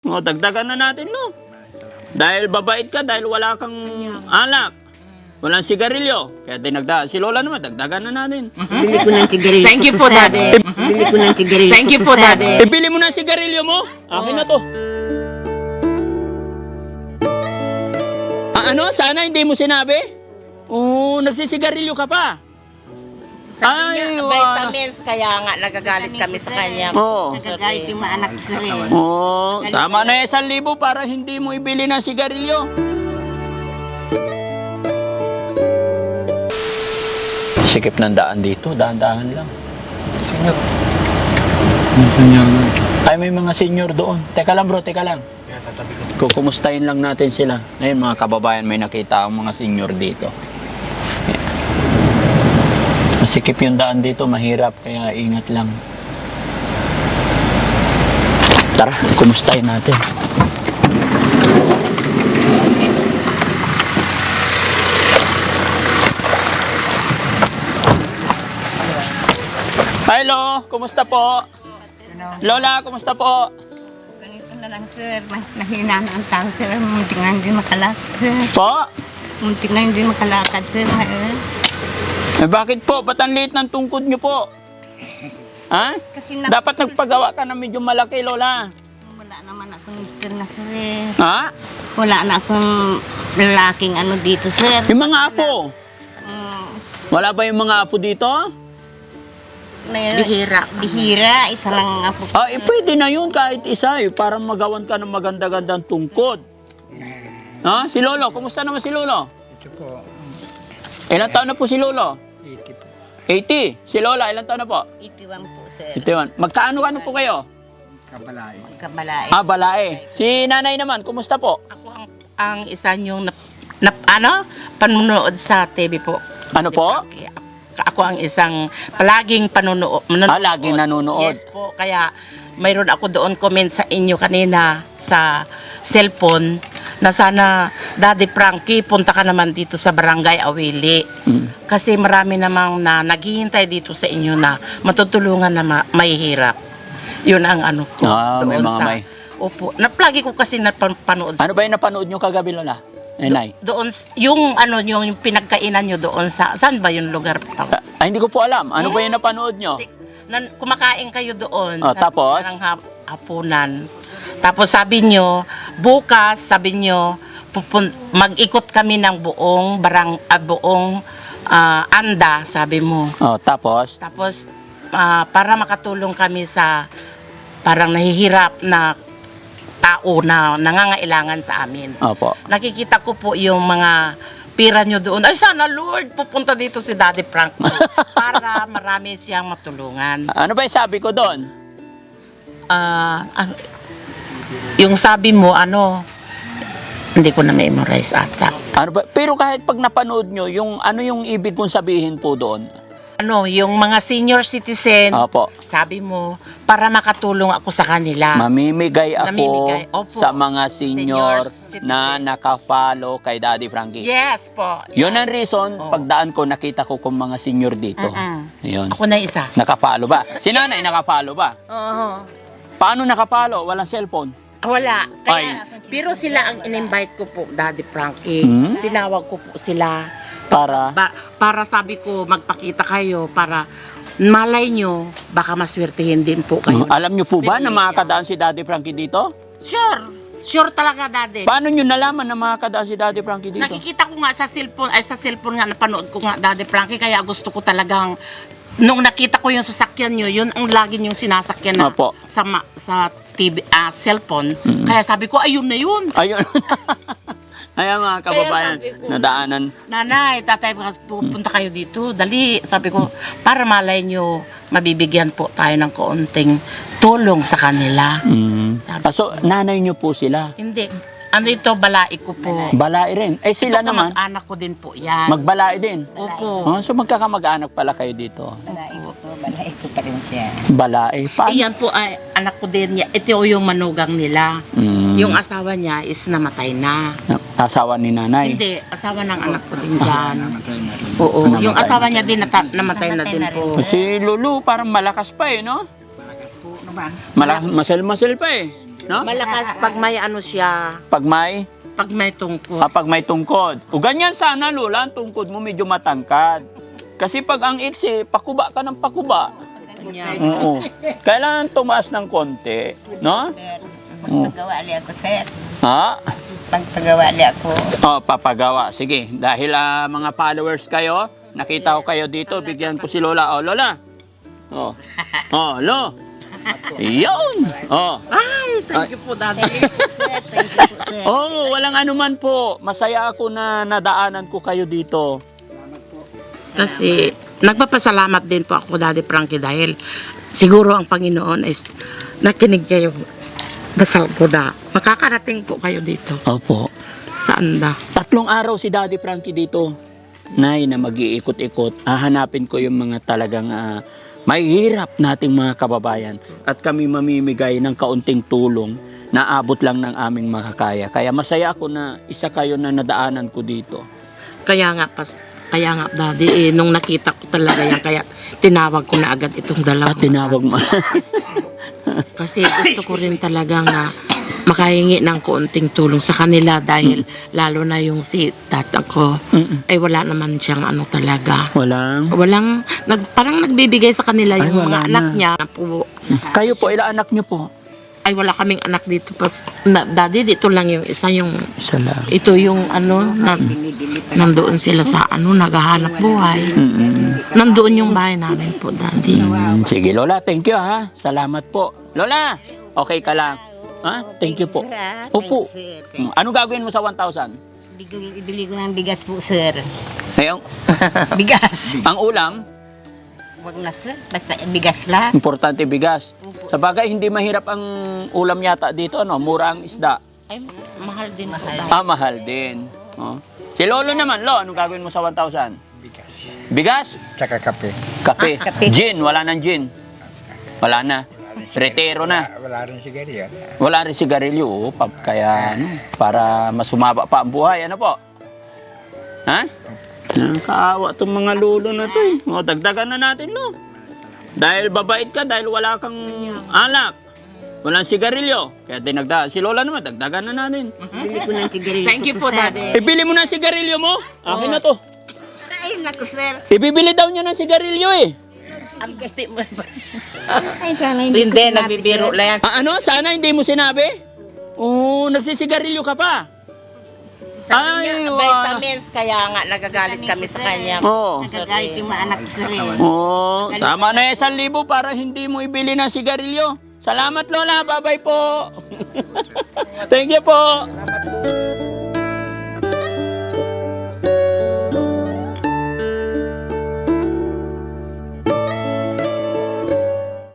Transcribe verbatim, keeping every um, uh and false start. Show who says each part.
Speaker 1: O, dagdagan na natin, no? Dahil babait ka, dahil wala kang alak. Walang sigarilyo. Kaya dinagdagan. Si Lola naman, dagdagan na natin.
Speaker 2: Bili ko ng sigarilyo.
Speaker 3: Thank you po, Daddy.
Speaker 2: Bili ko ng sigarilyo.
Speaker 3: Thank you po, Daddy.
Speaker 1: Ibili mo na ang sigarilyo mo. Akin na to. Ah, ano? Sana hindi mo sinabi? Oo, nagsisigarilyo ka pa.
Speaker 3: Sabi
Speaker 1: Ay,
Speaker 3: niya,
Speaker 1: wa-
Speaker 3: vitamins, kaya nga nagagalit kami sa kanya.
Speaker 1: Oo.
Speaker 2: Nagagalit yung mga anak ko sa rin.
Speaker 1: Oo, tama na isang libo para hindi mo ibili ng sigarilyo. Sikip ng daan dito, daan-daan lang.
Speaker 4: Senior. Yung senior na.
Speaker 1: Ay, may mga senior doon. Teka lang bro, teka lang. Kukumustahin lang natin sila. Ngayon mga kababayan, may nakita ang mga senior dito. Masikip yung daan dito, mahirap, kaya ingat lang. Tara, kumustahin natin. Hello, kumusta po? Lola, kumusta po?
Speaker 2: Ganito na lang, sir. Nahina na ang tao, sir. Muntik na hindi makalakad, sir.
Speaker 1: Po?
Speaker 2: Muntik na hindi makalakad, sir. Ngayon.
Speaker 1: Eh, bakit po? Ba't ang liit ng tungkod niyo po? Ha?
Speaker 2: Kasi na-
Speaker 1: Dapat nagpagawa ka na medyo malaki, Lola.
Speaker 2: Wala naman akong mister na, sir. eh.
Speaker 1: Ha?
Speaker 2: Wala na akong lalaking ano dito, sir.
Speaker 1: Yung mga apo.
Speaker 2: Mm,
Speaker 1: Wala ba yung mga apo dito?
Speaker 2: na-
Speaker 3: Bihira.
Speaker 2: Bihira. Isa lang ang apo.
Speaker 1: Ah, eh, pwede na yun kahit isa eh, para magawan ka ng maganda-gandang tungkod. Ha? Si Lolo, kumusta naman si Lolo?
Speaker 4: Ito po,
Speaker 1: Ilang taon na po si Lolo?
Speaker 4: eighty po.
Speaker 1: eighty. Si Lola, ilang taon na po?
Speaker 2: Itiwan po, sir.
Speaker 1: eighty-one. Magkaano-ano po kayo?
Speaker 4: Kabalay.
Speaker 2: Kabalae.
Speaker 1: Ah, balae. Si nanay naman, kumusta po?
Speaker 3: Ako ang, ang isa niyong nap, nap, ano, panunood sa T V po.
Speaker 1: Ano po?
Speaker 3: Kaya ako ang isang palaging panunood.
Speaker 1: Ah, laging nanonood.
Speaker 3: Yes po, kaya mayroon ako doon comment sa inyo kanina sa cellphone na sana Daddy Frankie punta ka naman dito sa Barangay Awili.
Speaker 1: Mm.
Speaker 3: Kasi marami namang na naghihintay dito sa inyo na matutulungan na ma- mahihirap. Yun ang ano ko.
Speaker 1: Ah, may
Speaker 3: doon
Speaker 1: mga
Speaker 3: sa,
Speaker 1: may.
Speaker 3: Opo. Naplagi ko kasi napanood.
Speaker 1: Ano ba yung napanood nyo kagabi, Lola? Eh, Nay?
Speaker 3: Doon, s- yung ano, yung, yung pinagkainan nyo doon sa, saan ba yung lugar? Pa?
Speaker 1: Ah, hindi ko po alam. Ano ba yung napanood nyo?
Speaker 3: Nan, kumakain kayo doon.
Speaker 1: Oh, tapos?
Speaker 3: Parang hap- hapunan. Tapos sabi nyo, bukas, sabi nyo, pupun- mag-ikot kami ng buong barang, ah, buong ah, anda, sabi mo.
Speaker 1: Oh, tapos?
Speaker 3: Tapos, ah, para makatulong kami sa parang nahihirap na tao na nangangailangan sa amin.
Speaker 1: Opo.
Speaker 3: Nakikita ko po yung mga pira nyo doon. Ay, sana Lord, pupunta dito si Daddy Frank para marami siyang matulungan.
Speaker 1: Ano ba yung sabi ko doon?
Speaker 3: Ah, ano, yung sabi mo, ano, hindi ko na memorize ata.
Speaker 1: Ano ba? Pero kahit pag napanood nyo, yung ano yung ibig kong sabihin po doon?
Speaker 3: Ano, yung mga senior citizen,
Speaker 1: Opo.
Speaker 3: sabi mo, para makatulong ako sa kanila.
Speaker 1: Mamimigay ako
Speaker 3: Namimigay, opo.
Speaker 1: sa mga senior,
Speaker 3: Senior citizen.
Speaker 1: na naka-follow kay Daddy Frankie.
Speaker 3: Yes po.
Speaker 1: Yun
Speaker 3: Yan.
Speaker 1: ang reason,
Speaker 3: Oo.
Speaker 1: pagdaan ko, nakita ko kung mga senior dito.
Speaker 3: Mm-mm.
Speaker 1: Yun.
Speaker 3: Ako na isa.
Speaker 1: Naka-follow ba? Si nanay naka-follow ba?
Speaker 3: Oo.
Speaker 1: Paano naka-follow? Walang cellphone.
Speaker 3: Wala. Kaya,
Speaker 1: Ay.
Speaker 3: pero sila ang in-invite ko po, Daddy Frankie.
Speaker 1: Hmm?
Speaker 3: Tinawag ko po sila.
Speaker 1: Para?
Speaker 3: Ba- para sabi ko, magpakita kayo para malay nyo, baka maswertehin din po kayo.
Speaker 1: Mm, alam nyo po ba na
Speaker 3: Bibigyan.
Speaker 1: makakadaan si Daddy Frankie dito?
Speaker 3: Sure. Sure talaga, Daddy.
Speaker 1: Paano nyo nalaman na makakadaan si Daddy Frankie dito?
Speaker 3: Nakikita ko nga sa cellphone, ay sa cellphone nga, napanood ko nga, Daddy Frankie, kaya gusto ko talagang, nung nakita ko yung sasakyan nyo, yun ang lagi yung sinasakyan na
Speaker 1: Opo.
Speaker 3: sa, ma- sa T V, ah, cellphone. Kaya sabi ko, ayun na yun.
Speaker 1: Ayun. Ayan mga kababayan,
Speaker 3: Kaya sabi ko,
Speaker 1: nadaanan.
Speaker 3: Nanay, tatay, pupunta kayo dito. Dali. Sabi ko, para malay nyo, mabibigyan po tayo ng kaunting tulong sa kanila.
Speaker 1: Mm.
Speaker 3: Sabi
Speaker 1: Ah, so, nanay nyo po sila.
Speaker 3: Hindi. Ano ito, balai ko po.
Speaker 1: Balai rin. Eh sila
Speaker 3: Ito
Speaker 1: naman,
Speaker 3: kamag-anak ko din po yan.
Speaker 1: magbalai din.
Speaker 3: Opo.
Speaker 1: Oh, so magkakamag-anak pala kayo dito.
Speaker 2: Balai ko po. Balai ko pa rin siya.
Speaker 1: Balai. Paano?
Speaker 3: Iyan po ay anak ko din niya. Ito yung manugang nila.
Speaker 1: Mm.
Speaker 3: Yung asawa niya is namatay na.
Speaker 1: Asawa ni nanay.
Speaker 3: Hindi, asawa ng anak ko din dyan.
Speaker 4: Namatay na rin.
Speaker 3: Oo,
Speaker 1: Namatay
Speaker 3: yung asawa
Speaker 1: na
Speaker 3: niya din nata- namatay na
Speaker 2: Namatay
Speaker 3: din
Speaker 2: na
Speaker 3: po.
Speaker 1: Si Lulu parang malakas pa eh, no?
Speaker 4: Malakas po naman.
Speaker 1: Malakas, masel-masel pa eh. No?
Speaker 3: Malakas pag may ano siya,
Speaker 1: Pag may,
Speaker 3: pag may tungkol.
Speaker 1: kapag may tungkod. O ganyan sana, Lola, ang tungkod mo medyo matangkad. Kasi pag ang iksi, pakuba ka ng pakuba.
Speaker 3: Ganyan.
Speaker 1: Oo. Kailangan tumaas ng konti. No?
Speaker 2: Sir, magpagawa li ako, sir.
Speaker 1: Ha?
Speaker 2: Magpagawa li ako.
Speaker 1: Oh, papagawa. Sige, dahil ah, mga followers kayo, nakita ko kayo dito, bigyan ko si Lola. Oh, Lola. Oh. Oh, Lo. Yun. Oh.
Speaker 3: Ay, thank you po, Daddy.
Speaker 2: Sir, thank you po, sir.
Speaker 1: Oh, walang anuman po. Masaya ako na nadaanan ko kayo dito.
Speaker 3: Kasi nagpapasalamat din po ako, Daddy Frankie, dahil siguro ang Panginoon is nakinig kayo. Dasal po na makakarating po kayo dito
Speaker 1: Opo.
Speaker 3: sa anda.
Speaker 1: Tatlong araw si Daddy Frankie dito. Nay, na mag-iikot-ikot. Hahanapin ko yung mga talagang ah, mahihirap nating mga kababayan. At kami mamimigay ng kaunting tulong na abot lang ng aming makakaya. Kaya masaya ako na isa kayo na nadaanan ko dito.
Speaker 3: Kaya nga, pas, kaya nga, Daddy, eh, nung nakita ko talaga yan, kaya tinawag ko na agad itong dalawa.
Speaker 1: At tinawag mo.
Speaker 3: Kasi gusto ko rin talaga nga makahingi ng kaunting tulong sa kanila dahil lalo na yung si tatang ko
Speaker 1: Mm-mm.
Speaker 3: ay wala naman siyang ano talaga.
Speaker 1: Walang.
Speaker 3: Walang, nag, parang nagbibigay sa kanila
Speaker 1: Ay,
Speaker 3: yung
Speaker 1: wala
Speaker 3: mga anak
Speaker 1: na.
Speaker 3: niya na po.
Speaker 1: Kayo po, ilang anak nyo po?
Speaker 3: Ay, wala kaming anak dito. Pas, na, Daddy, dito lang yung isa yung,
Speaker 1: Isa lang.
Speaker 3: ito yung ano, nas, nandoon sila sa ano, naghahanap buhay.
Speaker 1: Mm-mm.
Speaker 3: Nandoon yung bahay namin po, Daddy.
Speaker 1: Mm, sige, Lola. Thank you, ha. Salamat po. Lola, okay ka lang? Ha? Thank you po.
Speaker 2: Sir, ah.
Speaker 1: Opo.
Speaker 2: Thank you, sir. Thank
Speaker 1: Mm, Ano gagawin mo sa one thousand?
Speaker 2: Bigol, ibili ko ng bigas po, sir.
Speaker 1: Ayun,
Speaker 2: Bigas.
Speaker 1: ang ulam,
Speaker 2: Wag na, sir. Basta bigas lang.
Speaker 1: importante bigas. Sa bagay, hindi mahirap ang ulam yata dito, no? Mura ang isda.
Speaker 3: Ay, mahal din po.
Speaker 1: Ah, mahal din. Oh. Si Lolo naman, Lo, anong gagawin mo sa one thousand?
Speaker 4: Bigas.
Speaker 1: Bigas?
Speaker 4: Tsaka kape.
Speaker 1: Kape?
Speaker 2: Ah, kape.
Speaker 1: Gin? Wala nang gin? Wala na. Retero na.
Speaker 4: Wala, wala rin sigarilyo.
Speaker 1: Wala rin sigarilyo, oh, pa- kaya ano, para mas sumaba pa ang buhay, ano po? Ha? Nakakaawa itong mga lulo na to eh. O, dagdagan na natin, no? Dahil babait ka, dahil wala kang alak. Walang sigarilyo. Kaya dinagda. Si Lola naman, dagdagan na natin.
Speaker 2: Bili ko ng sigarilyo.
Speaker 3: Thank you po,
Speaker 2: sir.
Speaker 3: Daddy.
Speaker 1: Ibili mo na ang sigarilyo mo. Akin na to.
Speaker 2: Ay, naku, sir.
Speaker 1: Ibibili daw niya ng sigarilyo eh.
Speaker 3: Ang gati mo.
Speaker 2: Ay, sana hindi ko
Speaker 3: Hindi,
Speaker 2: sinabi,
Speaker 3: nagbibiro
Speaker 2: sir.
Speaker 3: lang yan.
Speaker 1: Ah, ano? Sana hindi mo sinabi? Oo, nagsisigarilyo ka pa.
Speaker 3: Sabi niya,
Speaker 1: Ay, wa-
Speaker 3: vitamins, kaya nga nagagalit kami sa kanya.
Speaker 1: Oo.
Speaker 2: Nagagalit yung mga anak ko, sir. eh.
Speaker 1: Oo, tama na yung isang libo para hindi mo ibili ng sigarilyo. Salamat, Lola. Bye-bye po. Thank you po.